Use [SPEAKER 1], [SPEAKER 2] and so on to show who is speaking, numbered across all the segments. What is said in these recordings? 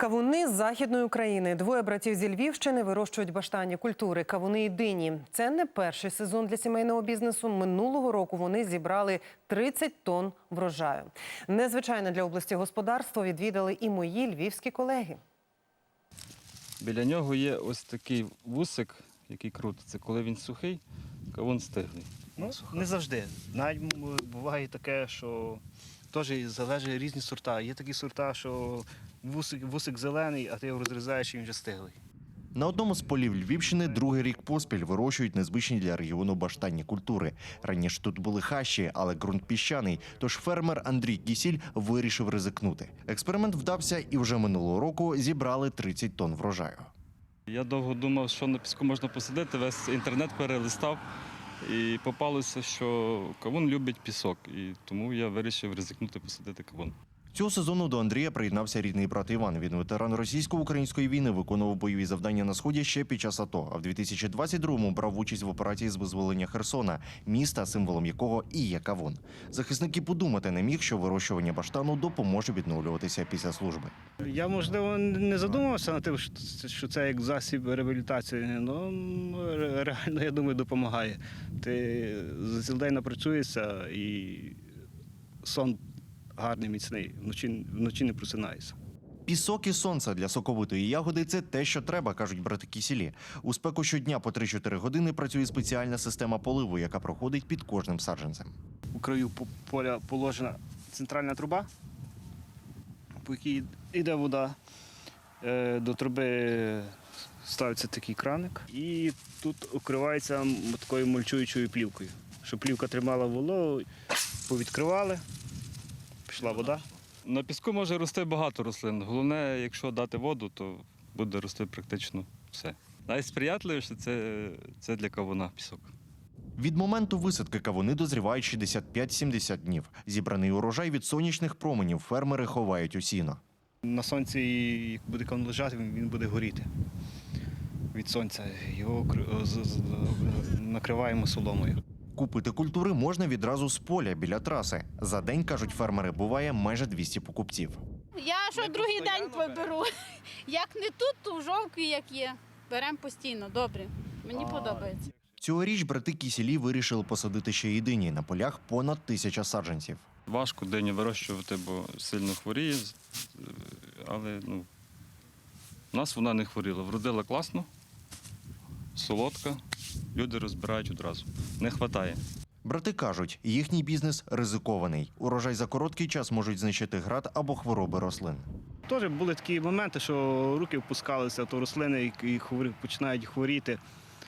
[SPEAKER 1] Кавуни з Західної України. Двоє братів зі Львівщини вирощують баштанні культури – кавуни і дині. Це не перший сезон для сімейного бізнесу. Минулого року вони зібрали 30 тонн врожаю. Незвичайне для області господарство відвідали і мої львівські колеги.
[SPEAKER 2] Біля нього є ось такий вусик, який крутиться. Коли він сухий, кавун стиглий.
[SPEAKER 3] Ну, не завжди. Навіть буває таке, що теж залежить різні сорта. Є такі сорта, що вусик зелений, а ти його розрізаєш і він вже стиглий.
[SPEAKER 4] На одному з полів Львівщини другий рік поспіль вирощують незвичні для регіону баштанні культури. Раніше тут були хащі, але ґрунт піщаний, тож фермер Андрій Кісіль вирішив ризикнути. Експеримент вдався і вже минулого року зібрали 30 тонн врожаю.
[SPEAKER 2] Я довго думав, що на піску можна посадити, весь інтернет перелистав. І попалося, що кавун любить пісок, і тому я вирішив ризикнути посадити кавун.
[SPEAKER 4] Цього сезону до Андрія приєднався рідний брат Іван. Він ветеран російсько-української війни, виконував бойові завдання на Сході ще під час АТО. А в 2022-му брав участь в операції з визволення Херсона, міста, символом якого і є кавун. Захисник і подумати не міг, що вирощування баштану допоможе відновлюватися після служби.
[SPEAKER 3] Я, можливо, не задумувався над тим, що це як засіб реабілітації, але реально, я думаю, допомагає. Ти за цілий день напрацюєшся і сон гарний, міцний, вночі не просинаєшся.
[SPEAKER 4] Пісок і сонце для соковитої ягоди – це те, що треба, кажуть брати Кісілі. У спеку щодня по 3-4 години працює спеціальна система поливу, яка проходить під кожним саджанцем.
[SPEAKER 3] У краю поля положена центральна труба, по якій йде вода. До труби ставиться такий краник і тут укривається такою мульчуючою плівкою, щоб плівка тримала вологу, повідкривали, пішла вода.
[SPEAKER 2] На піску може рости багато рослин. Головне, якщо дати воду, то буде рости практично все. Найсприятливіше – це для кавуна пісок.
[SPEAKER 4] Від моменту висадки кавуни дозрівають 65-70 днів. Зібраний урожай від сонячних променів фермери ховають у сіно.
[SPEAKER 3] На сонці, як буде кавун лежати, він буде горіти від сонця. Його накриваємо соломою.
[SPEAKER 4] Купити культури можна відразу з поля біля траси. За день, кажуть фермери, буває майже 200 покупців.
[SPEAKER 5] Я що другий день беру. Як не тут, то в Жовкві, як є. Беремо постійно, добре. Мені подобається.
[SPEAKER 4] Цьогоріч брати Кісілі вирішили посадити ще й дині. На полях понад 1000 саджанців.
[SPEAKER 2] Важко диню вирощувати, бо сильно хворіє, але у нас вона не хворіла. Вродила класно, солодка, люди розбирають одразу. Не вистачає.
[SPEAKER 4] Брати кажуть, їхній бізнес ризикований. Урожай за короткий час можуть знищити град або хвороби рослин.
[SPEAKER 3] Теж були такі моменти, що руки впускалися, то рослини і починають хворіти,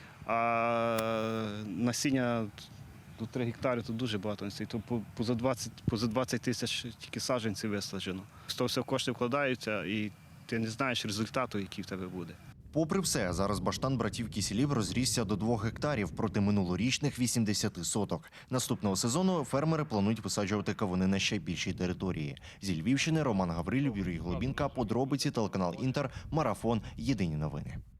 [SPEAKER 3] а насіння до 3 гектари – то дуже багато. То поза 20 тисяч тільки саджанців висаджено. З того все кошти вкладаються і ти не знаєш результату, який в тебе буде.
[SPEAKER 4] Попри все, зараз баштан братів Кісілів розрісся до 2 гектарів проти минулорічних 80 соток. Наступного сезону фермери планують висаджувати кавуни на ще більшій території. Зі Львівщини Роман Гаврилів, Юрій Глобінка, подробиці, телеканал Інтер, Марафон, Єдині новини.